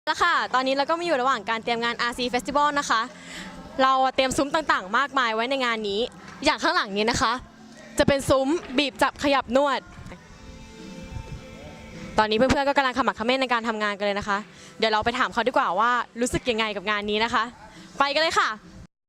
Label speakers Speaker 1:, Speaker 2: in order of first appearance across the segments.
Speaker 1: แล้วค่ะตอนนี้เราก็มาอยู่ระหว่างการเตรียมงาน RC Festival นะคะเราเตรียมซุ้มต่างๆมากมายไว้ในงานนี้อย่างข้างหลังนี้นะคะจะเป็นซุ้มบีบจับขยับนวดตอนนี้เพื่อนๆก็กำลังขมักเขม้นในการทำงานกันเลยนะคะเดี๋ยวเราไปถามเขาดีกว่าว่ารู้สึกยังไงกับงานนี้นะคะไปกันเลยค่ะ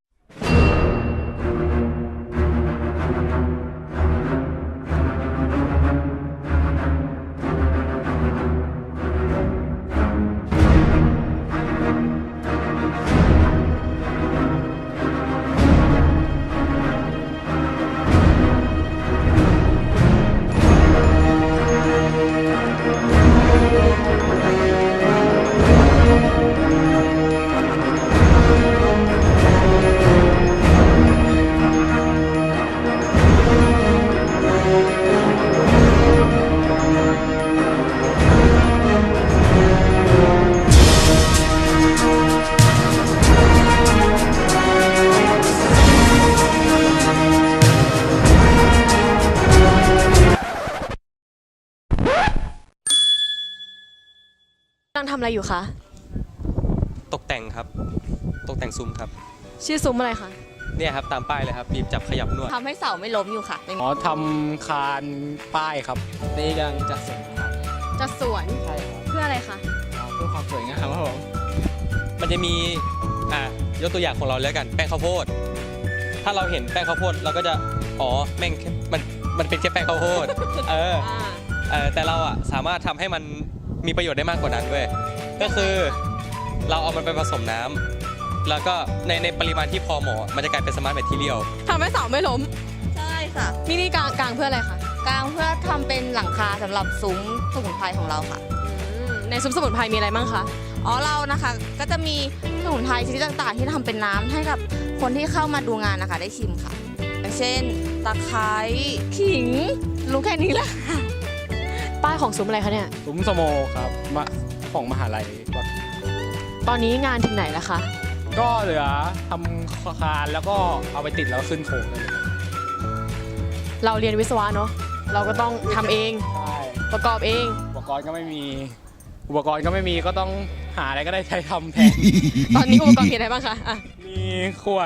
Speaker 1: กำลังทำอะไรอยู่คะ
Speaker 2: ตกแต่งครับตกแต่งซุ้มครับ
Speaker 1: ชื่อซุ้มอะไรคะ
Speaker 2: เนี่ยครับตามป้ายเลยครับบีบจับขยับนวด
Speaker 3: ทำให้เสาไม่ล้มอยู่ค่ะ
Speaker 4: อ๋อทำคานป้ายครับนี่กำลังจัดส่งครับ
Speaker 1: จัดสวน
Speaker 4: ใช่ครับ
Speaker 1: เพื่ออะไรคะ
Speaker 4: เพื่อความสวยงามครับผม
Speaker 2: มันจะมียกตัวอย่างของเราแล้วกันแป้งข้าวโพดถ้าเราเห็นแป้งข้าวโพดเราก็จะอ๋อแม่งแค่มันเป็นแค่แป้งข้าวโพดแต่เราสามารถทำให้มันมีประโยชน์ได้มากกว่านั้นด้วยก็คือเราเอามันไปผสมน้ำแล้วก็ในปริมาณที่พอเหมาะมันจะกลายเป็นสมาร์ทแมททีเรียล
Speaker 1: ทำให้เสาไม่ล้ม
Speaker 3: ใช่ค่ะ
Speaker 1: นี่กลางเพื่ออะไรคะ
Speaker 3: กลางเพื่อทำเป็นหลังคาสำหรับซุ้มสมุนไพรของเราค่ะ
Speaker 1: ในซุ้มสมุนไพรมีอะไรบ้างคะ
Speaker 3: อ๋อเรานะคะก็จะมีสมุนไพรชนิดต่างๆ ที่ทำเป็นน้ำให้กับคนที่เข้ามาดูงานนะคะได้ชิมค่ะอย่างเช่นตะไคร้ขิงรู้แค่นี้แหละ
Speaker 1: ป้ายของซุ้มอะไรคะเนี่ย
Speaker 4: ซุ้มสโมครับของมหาลัยวัด
Speaker 1: ตอนนี้งานถึงไหนแล้วคะ
Speaker 4: ก็เหลือทำคานแล้วก็เอาไปติดแล้วขึ้นโครงได้เลย
Speaker 1: เราเรียนวิศวะเนาะเราก็ต้องทำเอง
Speaker 4: ใช่
Speaker 1: ประกอบเอง
Speaker 4: อุปกรณ์ก็ไม่มีก็ต้องหาอะไรก็ได้ใช้ทำแทน
Speaker 1: ตอนนี้อุปกรณ์มีอะไรบ้างคะอ่ะ
Speaker 4: มีขวด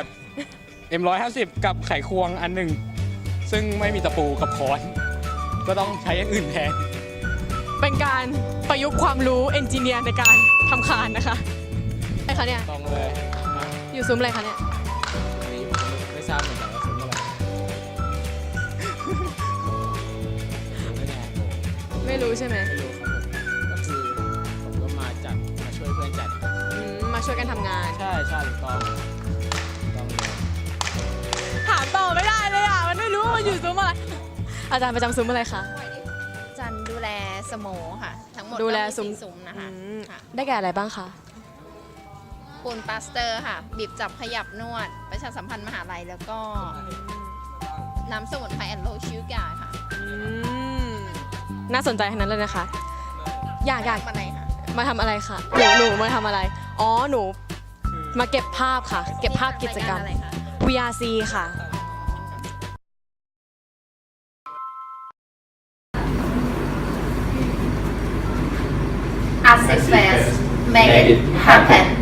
Speaker 4: M150 กับไขควงอันหนึ่งซึ่งไม่มีตะปูกับค้อนก็ต้องใช้อย่างอื่นแทน
Speaker 1: เป็นการประยุกต์ความรู้เอนจิเนียร์ในการทำคานนะคะอะไรคะเนี่ย
Speaker 4: ต้องเลยนะ
Speaker 1: อยู่ซุ้มอะไรคะเนี่ย
Speaker 4: นี่ผมไม่ทราบเหมือนกันว่าซุ้มอะไรไม่แน่
Speaker 1: ไม่รู้ใช่ไหม
Speaker 4: ไม่รู้ครับผมก็คือผมก็มาช่วยเพื่อนจัด
Speaker 1: มาช่วยกันทำงาน
Speaker 4: ใช่ถูกต้องเลย
Speaker 1: ถามต่อไม่ได้เลยอ่ะมันไม่รู้ว่าอยู่ซุ้มอะไรอาจารย์ประจำซุ้มอะไรคะ
Speaker 5: จันดูแลสโมค่ะ ทั้งหมด
Speaker 1: ดูแล
Speaker 5: ก็
Speaker 1: ซุ้ม
Speaker 5: 4ซุ้มนะคะค่ะ
Speaker 1: ได้แก่อะไรบ้างคะ
Speaker 5: ปูนปลาสเตอร์ค่ะ บีบจับขยับนวด ประชาสัมพันธ์มหาลัยแล้วก็น้ำสมุนไพรแอนโลชิวกาค่ะ
Speaker 1: น่าสนใจทั้งนั้นเลยนะคะ อยาก
Speaker 5: ทำอะไรค่ะ
Speaker 1: มาทำอะไรคะหนูมาทำอะไรอ๋อหนูมาเก็บภาพค่ะ เก็บภาพกิจกรรม
Speaker 5: อะไรคะ
Speaker 1: VRC ค่ะ
Speaker 5: Access Fest Make it happen